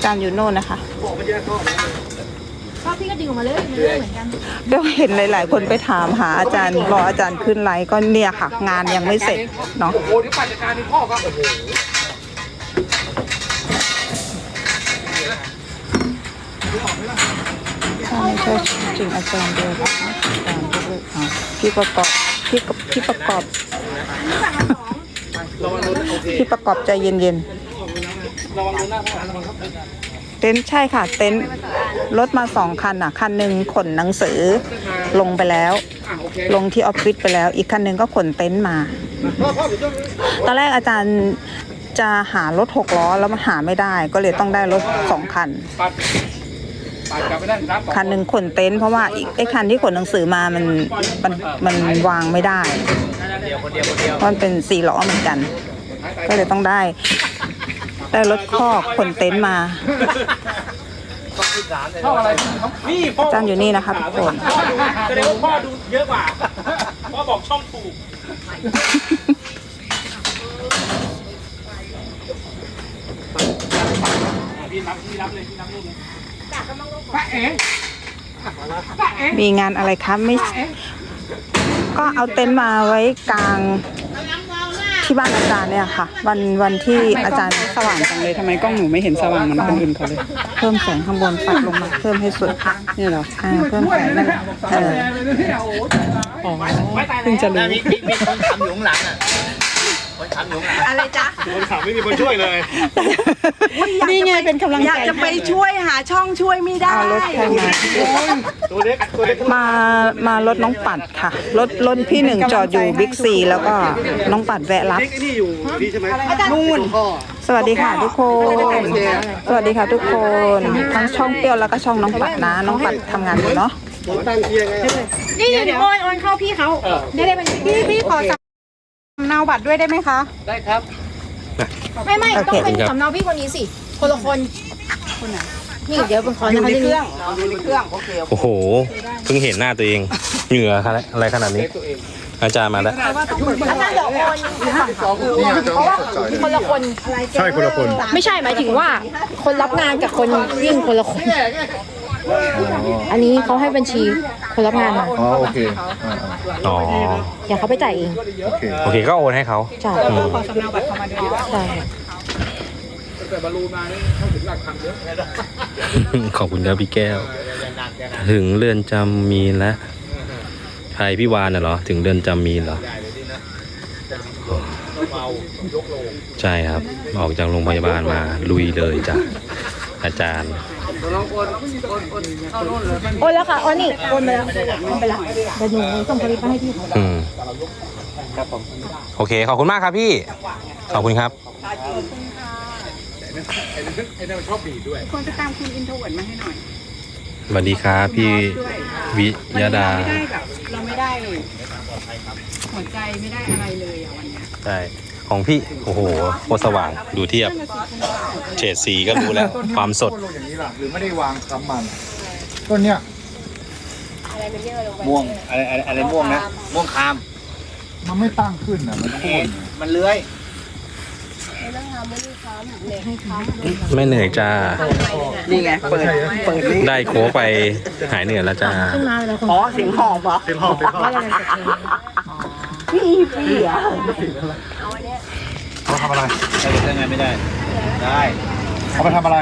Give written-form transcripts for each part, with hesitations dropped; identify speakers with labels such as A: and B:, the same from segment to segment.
A: จารย์อยู่โน่นนะคะ
B: ก็พี่ก็ดึงออกมาเลยมันเรื่องเหมือนกัน
A: เดี๋ยวเห็นหลายๆคนไปถามหาอาจารย์รออาจารย์ขึ้นไลฟ์ก็เนี่ยค่ะ งานยังไม่เสร็จเนาะโอ้โหที่ปั่นจักรยานนี่พ่อก็โอ้โหใช่จริงอาจารย์เดียวอาจารย์พี่ประกอบพี่ประกอบพี่ประกอบใจเย็นๆเต็นท์ใช่ค่ะเต็นท์รถมา2 คันอ่ะคันหนึ่งขนหนังสือลงไปแล้วลงที่ออฟฟิศไปแล้วอีกคันหนึ่งก็ขนเต็นท์มาตอนแรกอาจารย์จะหารถ6 ล้อแล้วมันหาไม่ได้ก็เลยต้องได้รถ2 คันคันหนึ่งขนเต็นท์เพราะว่าอีกไอ้คันที่ขนหนังสือมามันวางไม่ได้เพราะมันเป็น4 ล้อเหมือนกันก็เลยต้องได้รถคอกขนเต็นท์มาอาจารย์อยู่นี่นะคะทุกคน
C: แสดงว่าพ่อดูเยอะกว่าพ่อบอกช่องถูกพี่รับเลยป้าเอ๋
A: มีงานอะไรคะไม่ก็เอาเต็นท์มาไว้กลางที่บ้านอาจารย์เนี่ยค่ะวันที่อาจารย์
D: สว่างจังเลยทำไมกล้องหนูไม่เห็นสว่างเหมือนคนอื่นเขาเลย
A: เพิ่มแสงข้างบนปัดลงมาเพิ่มให้สุด
D: นี่เหรอ
A: เพิ่มแสงนั่น
D: อ๋อเพิ่งจะรู้
C: มีคนทำอยู่ข้างหลังอ่ะคนทำอยู่ข้างหลัง
B: อะไรจ๊ะ
C: คนทำไม่มีคนช่วยเลย
D: นี่ไงเป็นกำลังใจ
B: อยากจะไปช่วยหาช่องช่วยไม่ได้
A: รถใครมา
C: ตัวเล็ก
A: มารถน้องปัดค่ะรถพี่หนึ่งจอดอยู่บิ๊กซีแล้วก็น้องปัดแวะรับ
C: นี่อยู่นี่ใช่ไหม
A: นู่นสวัสดีค่ะทุกคนสวัสดีค่ะทุกคนทั้งช่องเปรี้ยวแล้วก็ช่องน้องปัดนะน้องปัดทำงานอยู่เนาะ
B: นี่เดี๋ยวโอนเข้าพี่เขาได้บัญชี
D: พี่ขอสำเนาบัตรด้วยได้ไหมคะ
C: ได้ครับ
B: ไม่ต้องเป็นสำเนาพี่คนนี้สิคนละคนไหนนี่เดี๋ยวเป็นคน
D: อยู่ในเครื่อง
E: โอ้โหเพิ่งเห็นหน้าตัวเองเหงื่ออะไรขนาดนี้อาจารย์มาแล้ว
B: อาจารย์เดี๋ยวโอนเพราะว่าคนละคน
E: ใช่คนละคน
B: ไม่ใช่หมายถึงว่าคนรับงานกับคนวิ่งคนละคนอันนี้เขาให้บัญชีคนรับงานมา
E: อ๋อโอเคอ๋อ
B: อย่าเขาไปจ่ายเอง
E: โอเคก็โอนให้เขา
B: ใช่
D: ขอสำเนาบัตรเข้ามาด้วย
B: ใช่
C: แต่บอลลูนมานี่เข้าถึงหลักพันเยอะ
E: ขอบคุณครับพี่แก้วถึงเรือนจำมีแล้วใครพี่วานน่ะเหรอถึงเรือนจำมีเหรอใช่ครับออกจากโรงพยาบาลมาลุยเลยจ้ะอาจารย์
B: โอนแล้วค่ะโอนนี่โอนไปแล้วโอนไปแล้วเดี๋ยวหนูส่งสลิปไปให้พี่
E: ครับผมโอเคขอบคุณมากครับพี่ขอบคุณครับ
C: ไอ้นั่นชอบบีด้วย
D: ควรจะตามคุณอินโทรเวิร์ดมาให้หน่อย
E: สวัสดีครับพี่วิยดา
D: เราไม่ได้หัวใจไม่ได้อะไรเลยอ่ะวันนี้
E: ใช่ของพี่โอ้โหโคตรสว่างดูเทียบเฉดสีก็รู้แล้วความสด
C: อย่างนี้ล่ะหรือไม่ได้วางซ้ำมันต้นเนี้ยม่วงอะไรม่วงนะม่วงคามมันไม่ตั้งขึ้นอ่ะมันโค่นมันเลื้อย
E: ไม่เหนื่อยจ้า
D: นี่ไงเปิด
E: ได้โค้กไปหายเหนื่อยแล้วจ้า
D: อ๋อเสียงหอบเหรอ
C: เสียงหอบ
D: พี่อ่ะ
C: เขาทำอะไรได้ไงไม่ได้ได้เขาไปทำอะไร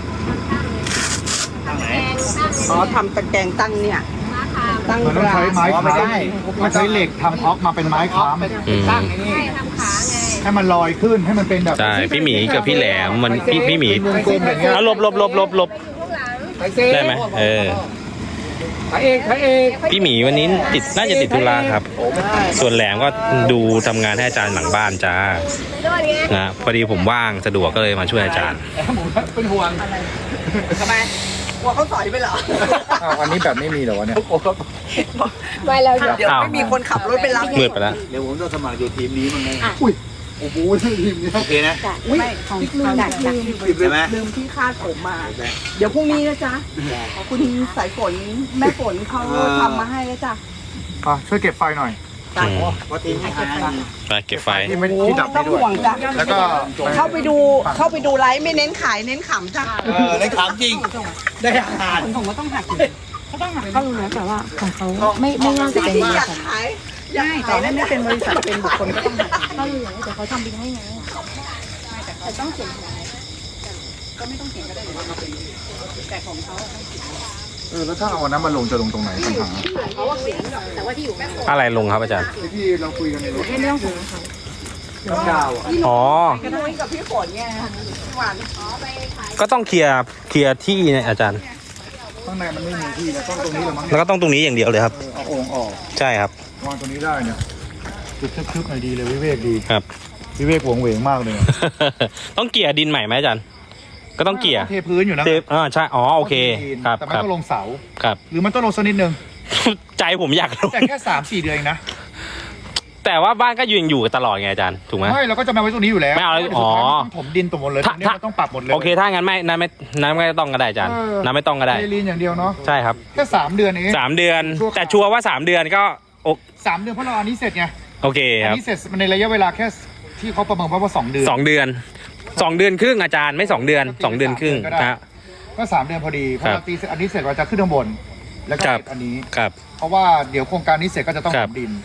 C: ทางไหน
D: อ๋อทำตะแกรงตั้งเนี่ยตั้ง
C: มันต้องใช้ไม้ค้ำมันใช้เหล็กทำท็อกมาเป็นไม้ค้ำตั้งนี่ให้มันลอยขึ้นให้มันเป็นแบบ
E: ใช่พี่หมีกับพี่แหลมมันพี่หมีเอาลบได้ไหมพี่หมีวันนี้น่าจะติดธุระครับส่วนแหลมก็ดูทำงานให้อาจารย์หลังบ้านจ้านะพอดีผมว่างสะดวกก็เลยมาช่วยอาจารย์
C: เป็นห่วง
D: ทำไมกลัวเขาสอยไปเหรอ
C: อันนี้แบบไม่มีเหรอวะเนี่ย
B: ไม่แล้ว
D: เดี๋ยวไม่มีคนขับรถไปรับ
E: มืดไปแล้ว
C: เดี๋ยวผมจะสมัครอยู่ทีมนี้มั้งไงอุ้ยโอ้โหทีมนี้โอเคนะ
D: ไม่ของลืมที่คาดผมมาเดี๋ยวพรุ่งนี้นะจ๊ะคุณสายฝนแม่ฝนเขาทำมาให้แล้วจ้ะ
C: ช่วยเก็บไฟหน่อย
E: อืมไปเก็บไฟ
C: ที่ดับ
D: ต้
C: ได้
D: อง
C: ด้วย
D: ห่วงจ้ะ
C: แล้วก็
D: เข้าไปดูไลฟ์ไม่เน้นขายเน้นขำจ้ะ
C: ได้ขามจริง ได้อาหาร
B: เขารู้นะแต่ว่าของเขาไม่น่าจะเป็นบริ
D: อยาก
B: ษัท
D: ขาย
A: ไม่แต่นั่นไม่เป็นบริษัทเป็นบุคคลก็ต้องหัก
B: เขารู้แต่เขาทำบินให้ไงแต่ต้องเขียน
C: แล้วถ้าเอาอันนั้นมาลงจะลงตรงไหนปัญหา
B: แต่ว่าที่อยู่
E: อะไรลงครับอาจารย์
C: ที่เราคุยกันในรถ
B: เรื่องของ
C: น้ำดาวอ่ะ
E: อ๋อ
D: พี่นุ้ยกับพี่ฝนไงหวาน
E: ก็ต้องเคลียร์ที่เนี่ยอาจารย์
C: ข้างในมันไม่มีที่แล้วต้องตรงนี้ละมั้ง
E: แล้วก็ต้องตรงนี้อย่างเดียวเลยครับ
C: เอาโอ่งออก
E: ใช่ครับ
C: วางตรงนี้ได้เนี่ยจุดทึบๆหน่อยดีเลยวิเวกดี
E: ครับ
C: วิเวกหวงเหวงมากเลย
E: ต้องเกลี่ยดินใหม่ไหมอาจารย์ ก็ต้องเกลี่ย
C: เทพื้นอยู่นะ
E: เทปใช่ อ๋อ โอเค ครับ
C: แต่ไม่
E: ครับ
C: ต้องลงเสา
E: ครับ
C: หรือมันต้องลงสักนิดนึง
E: ใจผมอยากลง
C: แต่แค่3-4 เดือนเองนะ
E: แต่ว่าบ้านก็อยู่ตลอดไงอาจารย์ ถูกไหม
C: ไม่เราก็จะมาไว้ตรงนี้อยู่แล้ว
E: ไม่เอาแล้ว
C: สุดท้ย
E: อ๋อ
C: มันต้องถมดินตรงหมดเลยตรงนี้มันต้องปรับหมดเลย
E: โอเค ถ้างั้นน้ำไม่ต้องก็ได้อาจารย์ น้ำไม่ต้องก็ได้
C: เทลีนอย่างเดียวเนาะ
E: ใช่ครับ
C: แค่3 เดือนเอง
E: 3 เดือน แต่ชัวร์ว่า3 เดือนก็
C: 3 เดือนเพราะเราอันนี้เสร็จไง
E: โอเค
C: อัน
E: ครับ
C: นี้เสร็จมันในระยะเวลาแค่ที่เขาประเมินว่า2 เดือน
E: 2 เดือน 2 เดือนครึ่งอาจารย์ไม่2 เดือน 2 เดือนครึ่งครับ
C: ก็3 เดือนพอดีเพราะเราตีอันนี้เสร็จเราจะขึ้นข้างบนแล้วก็
E: ครับ
C: เสร็จอันนี้
E: ครับ
C: เพราะว่าเดี๋ยวโครงการนี้เสร็จก็จะต้อง
E: ครับ
C: ถมดิน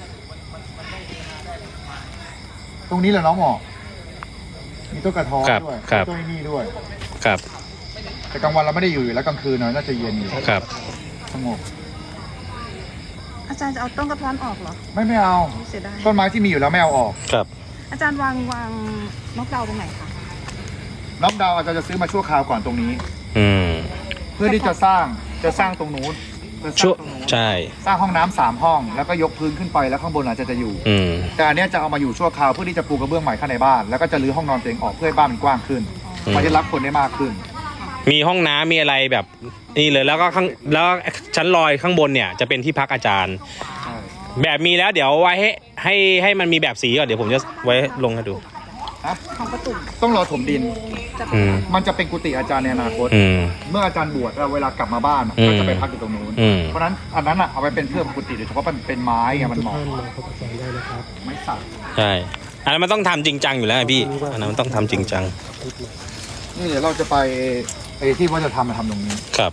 C: ตรงนี้แหละน้องหมอมีต้นกระท้อน
E: ครับ
C: ด้วย
E: ครับ
C: ต้นนี่ด้วย
E: ครับ
C: แต่กลางวันเราไม่ได้อยู่แล้วกลางคืนน่าจะเย็นอยู่
E: ครับ
C: สงบ
A: อาจารย์จะเอาต้นกระท้อนออกเหรอ
C: ไม่เอา
A: เสียดาย
C: ต้นไม้ที่มีอยู่แล้วไม่เอาออก
E: ครับ
A: อาจารย์วางนกดาวตรงไหนคะ
C: น้องดาวอาจจะซื้อมาชั่วคราวก่อนตรงนี้
E: อืม
C: เพื่อที่จะสร้างตรงนู้นจะส
E: ชั่
C: ร้าว งตรงนู้น
E: ใช่
C: สร้างห้องน้ำ3 ห้อง แล้วก็ยกพื้นขึ้นไปแล้วข้างบนอาจจะอยู่
E: อืม
C: แต่อันเนี้ยจะเอามาอยู่ชั่วคราวเพื่อที่จะปูกระเบื้องใหม่ข้างในบ้านแล้วก็จะรื้อห้องนอนตัวเองออกเพื่อให้บ้านมันกว้างขึ้น
E: อืม
C: มันจะรับคนได้มากขึ้น
E: มีห้องน้ำมีอะไรแบบนี่เลยแล้วก็ชั้นลอยข้างบนเนี่ยจะเป็นที่พักอาจารย์
C: ใช่
E: แบบมีแล้วเดี๋ยวไว้ให้มันมีแบบสีก่อนเดี๋ยวผมจะไว้ลงให้ดู
C: ฮะต้องรอถมดิน
E: อืม
C: มันจะเป็นกุฏิอาจารย์ในอนาคต
E: อืม
C: เมื่ออาจารย์บวชเวลากลับมาบ้าน
E: อืม
C: ก็จะไปพักอยู่ตรงนู้น
E: อืม
C: เพราะฉะนั้นอันนั้นเอาไปเป็นเพื่อกุฏิโดยเฉพาะมันเป็นไม้ไงมันเหมาะไม่สัก
E: ใช่อันนั้นมันต้องทำจริงจังอยู่แล้วไงพี่อันนั้นมันต้องทำจริงจัง
C: นี่เดี๋ยวเราจะไปไอ้ที่ว่าจะทำมาทำตรงนี้
E: ครับ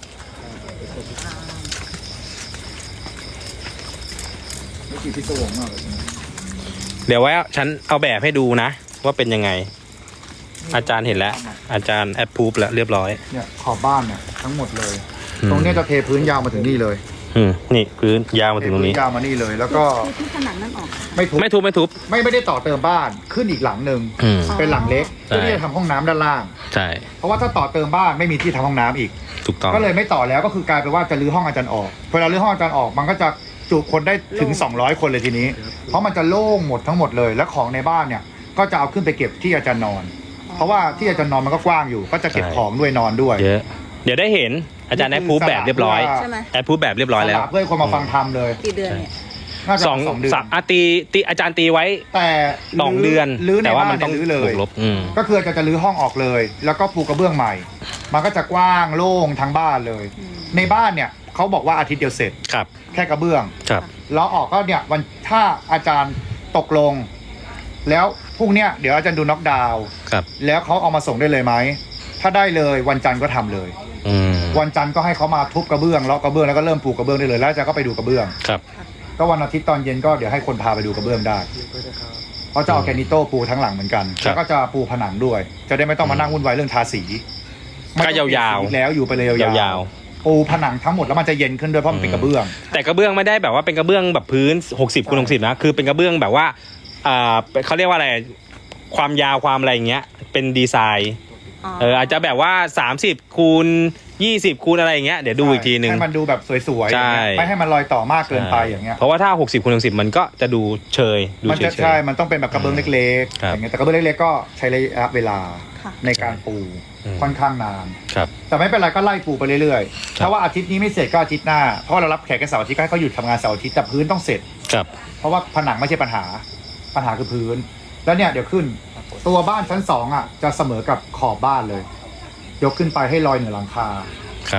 C: นี่คือพิศวงมากเลย
E: เดี๋ยวไว้ฉันเอาแบบให้ดูนะว่าเป็นยังไง อาจารย์เห็นแล้ว อาจารย์แอปพูฟแล้วเรียบร้อย
C: เนี่ยขอบบ้านเนี่ยทั้งหมดเลย
E: อืม
C: ตรงเนี้ยจะเทพื้นยาวมาถึงนี่เลย
E: นี่พื้นยาวมาถึงตรงนี้
C: เทพื้ยาวมานี่เลย แล้วก็
A: ที่ผนังนั่นออก
C: ไม่ทุบ
E: ไม่ทุบไม่ทุบ
C: ไม่ได้ต่อเติมบ้านขึ้นอีกหลังหนึ่ง
E: อืม
C: เป็นหลังเล็ก
E: ใช่
C: เพื่อที่จะทำห้องน้ำด้านล่าง
E: ใช่
C: เพราะว่าถ้าต่อเติมบ้านไม่มีที่ทำห้องน้ำอีก
E: ถูกต้อง
C: ก็เลยไม่ต่อแล้วก็คือกลายเป็นว่าจะรื้อห้องอาจารย์ออกเวลารื้อห้องอาจารย์ออกมันก็จะจุคนได้ถึง200 คนเลยทีนี้ เพราะมันจะโล่งหมดทั้งหมดเลยและของในบ้านเนี่ยก็จะเอาขึ้นไปเก็บที่อาจารย์นอน เพราะว่าที่อาจารย์นอนมันก็กว้างอยู่ ก็จะเก็บของด้วยนอนด้วย
E: เยอะ เดี๋ยวได้เห็นอาจารย์แอปพูฟแบบเรียบร้อย
A: ใช่ไหม
E: แอปพูฟแบบเรียบร้อยแล้ว
C: เพื่อให้คนมาฟังธรรมเลย
A: กี่เดือนเนี่ย
C: น่าจะ
E: สอง
C: 2 เดือน
E: ตีอาจารย์ตีไว้
C: แต่
E: 2 เดือน
C: รื้อใน
E: แต่ว่า
C: บ้า
E: มัน น
C: ต้
E: ต้
C: อ
E: อง ง
C: รื้อเลย
E: บวกลบอืม
C: ก็คือจะรื้อห้องออกเลย แล้วก็ปูกระเบื้องใหม่ มันก็จะกว้างโล่งทั้งบ้านเลย ในบ้านเนี่ยเขาบอกว่าอาทิตย์เดียวเสร็จ
E: ครับ
C: แค่กระเบื้อง
E: ครับ
C: แล้วออกก็เนี่ยวันถ้าอาจารย์ตกลง แล้วพรุ่งเนี้ยเดี๋ยวอาจารย์ดูน็อกดาวน์
E: ครับ
C: แล้วเขาเอามาส่งได้เลยไหมถ้าได้เลยวันจันทร์ก็ทำเลย
E: อืม
C: วันจันทร์ก็ให้เขามาทุบกระเบื้องเลาะกระเบื้องแล้วก็เริ่มปูกระเบื้องได้เลยแล้วอาจารย์ก็ไปดูกระเบื้อง
E: ครับ
C: ก็วันอาทิตย์ตอนเย็นก็เดี๋ยวให้คนพาไปดูกระเบื้องได้เขาจะเอาแกรนิโต้ปูทั้งหลังเหมือนกัน
E: ครับ
C: แล้วก็จะปูผนังด้วย จะได้ไม่ต้องมานั่งวุ่นวายเรื่องทาสี
E: ก็ยาวๆ
C: ไม่ต้องเปลี่นสีอีกแล้วอยู่ไปเลยยาว
E: ยาว
C: ปูผนังทั้งหมดแล้วมันจะเย็นขึ้นด้วยเพราะมันเป็นกระเบื้อง
E: แต่กระเบื้องไม่ได้แบบว่าเป็นกระเบื้องแบบพื้น60 คูณ 60นะคือเป็นกระเบื้องแบบว่าเขาเรียกว่าอะไรความยาวความอะไรอย่างเงี้ยเป็นดีไซน์อาจจะแบบว่า30 คูณ 20 คูณอะไรอย่างเงี้ยเดี๋ยวดูอีกทีนึง
C: ให้มันดูแบบสวยๆ
E: ใช่
C: อย่างเงี้ยไม่ให้มันลอยต่อมากเกินไปอย่างเงี้ย
E: เพราะว่าถ้า60 คูณ 60มันก็จะดูเชยดู
C: มัน
E: เฉ
C: จะ
E: ย
C: ใช่มันต้องเป็นแบบกระเบื้องเล็กๆ
E: ครับ
C: อย่างเงี้ยแต่กระเบื้องเล็กๆก็ใช้ระยะเวลา
A: ค่ะ
C: ในการปู
E: อืม
C: ค่อนข้างนาน
E: ๆครับ
C: แต่ไม่เป็นไรก็ไล่ปูไปเรื่อย
E: ครับ
C: ๆถ้าว่าอาทิตย์นี้ไม่เสร็จก็อาทิตย์หน้าเพราะว่าเรารับแขกแค่เสาร์อาทิตย์ก็ให้เขาหยุดทำงานเสาร์อาทิตย์แต่พื้นต้องเสร็จ
E: ครับ
C: เพราะว่าผนังไม่ใช่ปัญหาคือพื้น แล้วเนี่ยเดี๋ยวขึ้น ตัวบ้านชั้น2อ่ะจะเสมอกับขอบบ้านเลย ยกขึ้นไปให้ลอยเหนือหลังคา
E: ครับ
C: ใ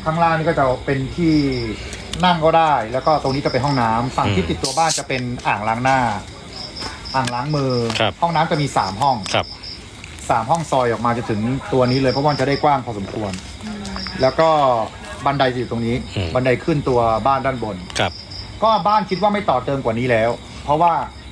C: ข้างล่างนี่ก็จะเป็นที่นั่งก็ได้ แล้วก็ตรงนี้จะเป็นห้องน้ำฝั่งที่ติดตัวบ้านจะเป็นอ่างล้างหน้า อ่างล้างมือ
E: ครับ
C: ห้องน้ำจะมี3ห้อง
E: ครับ
C: 3ห้องซอยออกมาจะถึงตัวนี้เลยเพราะว่ามันจะได้กว้างพอสมควร แล้วก็บันไดจะอยู่ตรงนี้ บันไดขึ้นตัวบ้านด้านบน
E: ครับ
C: ก็บ้านคิดว่าไม่ต่อเติมกว่านี้แล้ว เพราะว่า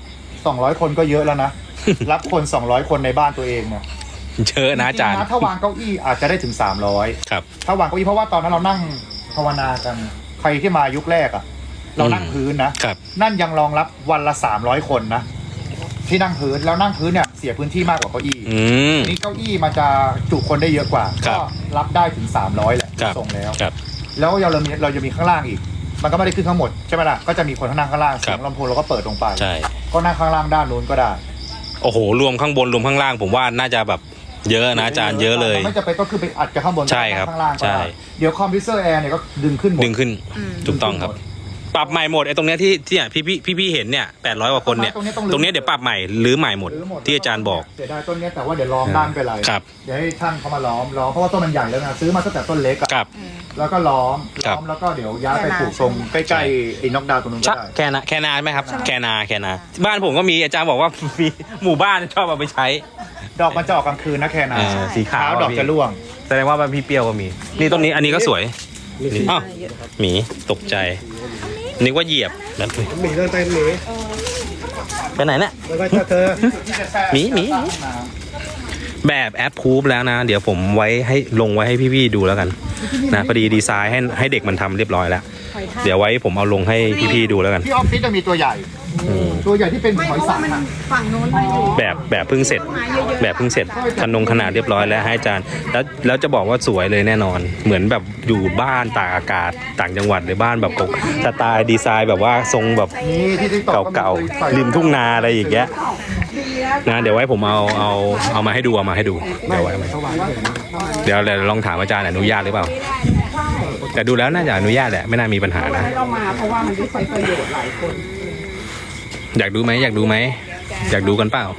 C: 200คนก็เยอะแล้วนะ รับคน200คนในบ้านตัวเองเนี่ย
E: เยอะนะอาจารย์
C: จงๆถ้าวางเก้าอี้อาจจะได้ถึง300
E: ครับ
C: ถ้าวางเก้าอี้เพราะว่าตอนนั้นเรานั่งภาวนากันใครที่มายุคแรกอะเรานั่งพื้นนะครับ นั่นยังรองรับวันละ300คนนะที่นั่งพื้นแล้วนั่งพื้นเนี่ยเสียพื้นที่มากกว่าเก้าอี้
E: อืม
C: นี่เก้าอี้มันจะจุคนได้เยอะกว่า
E: ครั
C: ก็
E: บ
C: รับได้ถึง300แหละ
E: ครับ
C: ส่งแล้ว
E: ครับ
C: แล้วเราจะมีข้างล่างอีก มันก็ไม่ได้ขึ้นข้างหมดใช่ไหมล่ะก็จะมีคนข้างนั่งข้างล่างเสียงลำโพงเราก็เปิดลงไป
E: ใช่
C: ก็นั่งข้างล่างด้านนู้นก็ได้
E: โอ้โห รวมข้างบนรวมข้างล่างผมว่าน่าจะแบบเยอะนะอาจารย์เยอะเลย
C: ไม่จะเป็นก็คือไปอัดกับข้างบน
E: ใช่ครับ
C: ข้างล่างก็
E: ใช่
C: ได้เดี๋ยวคอมพิวเตอร์แอร์เนี่ยก็ดึงขึ้นหมด
E: ดึงขึ้น ถูกต้องครับ ปรับใหม่หมดไอ้ตรงเนี้ยที่เนี่ยพี่เห็นเนี่ย800 กว่าคนเนี่ย ตรงเนี้ยเดี๋ยวปรับใหม่หรือใหม่หมด
C: รื้อหมด
E: ที่อาจารย์บอก
C: เสียดายต้นเนี้ยแต่ว่าเดี๋ยวล้อมด้านไปเลย
E: ครับ
C: เดี๋ยวให้ช่างเขามาล้อมเพราะว่าต้นมันใหญ่แล้วนะซื้อมาตั้งแต่ต้นเล็กอะ
E: ครับ
C: แล้วก็ล้อม
E: ครับ
C: แล้วก็เดี๋ยวย้ายไปปลูกตรงใกล้ๆไอ้น็อกดาวน์ตรงนู้นก็
E: ใช่
C: ได้
E: แค่นาไหมครับ แค่นาบ้านผมก็มีอาจารย์บอกว่า มีหมู่บ้านชอบเอาไปใช้
C: ดอกมันจะออกกลางคืนนะแค่นั้น
E: สีขาว
C: ดอกจะร่วง
E: แสดงว่าบ้านพี่เปรี้ยวก็มี นี่ต้นนี้อันนี้ก็สวยนี่อ้าวหมีตกใจนึกว่าเหยียบแบบ
C: หมีเดินไปหมี
E: ไปไหนเนี่ย
C: แล้วก็เธอ
E: หมีแบบแอปพูฟแล้วนะ เดี๋ยวผมไว้ให้ลงไว้ให้พี่ๆดูแล้วกันนะพอดีดีไซน์ให้เด็กมันทำเรียบร้อยแล้ว เดี๋ยวไว้ผมเอาลงให้พี่ๆดูแล้วกัน
C: ที่ออฟฟิศจะมีตัวใหญ่
E: อืม
C: ตัวใหญ่ที่เป็นหอยสังอะ
D: ฝั่งโน้นมันอยู่
E: แบบเพิ่งเสร็จขนาดเรียบร้อยแล้วให้อาจารย์แล้วจะบอกว่าสวยเลยแน่นอน เหมือนแบบอยู่บ้านตากอากาศต่างจังหวัดหรือบ้านแบบสไตล์ดีไซน์แบบว่าทรงแบบ
C: นี่ที่ติ๊กต็อก
E: เก่าๆริมทุ่งนาอะไรอย่างเงี้ยนะเดี๋ยวไว้ผมเอามาให้ดูเดี๋ยวไว้เดี๋ยวลองถามอาจารย์อนุญาตหรือเปล่า แต่ดูแล้วน่าจะอนุญาตแหละไม่น่ามีปัญหานะ
D: ให้เรามาเพราะว่ามันได้ใช้ประโยชน์หลายคน
E: อยากดูไหมอยากดูกันเปล่า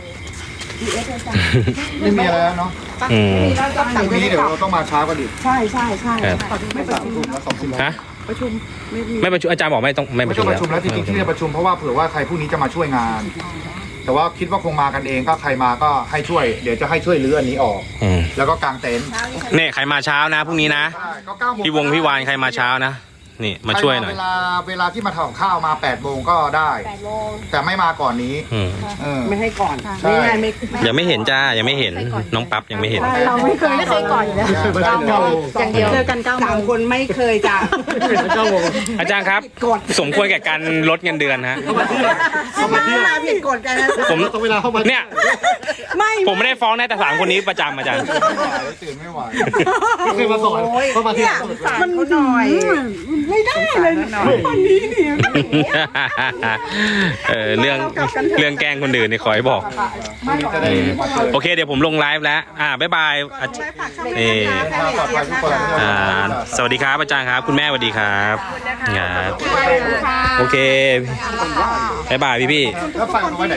C: ไม่มีอะไรแล้วเนาะ
E: อืม
C: พรุ่งนี้เดี๋ยวเราต้องมาเช้ากันดิ
D: ใช่ใช่ใช่
E: ครับ
D: ไม่ประชุม
C: แล้ว2 ทุ่ม
E: ฮะ
D: ประชุมไม่มี
E: ไม่ประชุมอาจารย์บอกไม่ต้องไม่ป
C: ไม่
E: ระชุ
C: ต้อ
E: ม
C: งประชุมแล้วจริงๆที่จะประชุมเพราะว่าเผื่อว่าใครพรุ่งนี้จะมาช่วยงาน แต่ว่าคิดว่าคงมากันเองก็ใครมาก็ให้ช่วย เดี๋ยวจะให้ช่วยรื้ออันนี้ออก
E: อืม
C: แล้วก็กางเต็นท์
E: เนี่ยใครมาเช้านะพรุ่งนี้นะ
C: ใช่ก็9 โมง
E: พี่วานใครมาเช้านะนี่มาช่วยหน่อย
C: เวลาที่มาทำกับข้าวมา8 โมงก็ได้ แต่ไม่มาก่อนนี้
E: อืม
D: ไม่ให้ก่อน
C: ใช่
D: ไม่ไงไม่
E: ยังไม่เห็นจ้ายังไม่เห็นน้องปั๊บยังไม่เห็น
D: เราไม่เคยก่อนอยู่แล้ว
B: อย่างเดียว
D: เจอกัน9 โมง3 คนไม่เคยจ้ะ
E: อาจารย์ครับ สมควรแก่การลดเงินเดือนฮะ
D: เข้ามาผิดกฎกันนะ
E: ผมเนี่ย
D: ไม่
E: ผมไม่ได้ฟ้องนะแต่สามคนนี้ประจำอาจารย์
C: ตื่นไม่ไหว
D: เคยมาสอนเข้ามาที่มันหน่อยไม่ได้เลยวันนี้นี่
E: เรื่องแกล้งคนอื่นนี่ขอให้บอก
C: พรุ่งนี้จะได้มาเจอ
E: โอเคเดี๋ยวผมลงไลฟ์แล้วบ๊ายบายนี่
C: ปลอดภัยทุกคน
E: สวัสดีครับอาจารย์ครับ คุณแม่สวัสดีครับครับโอเคบ๊ายบายพี่
C: แล้วไฟเอาไว้ไหน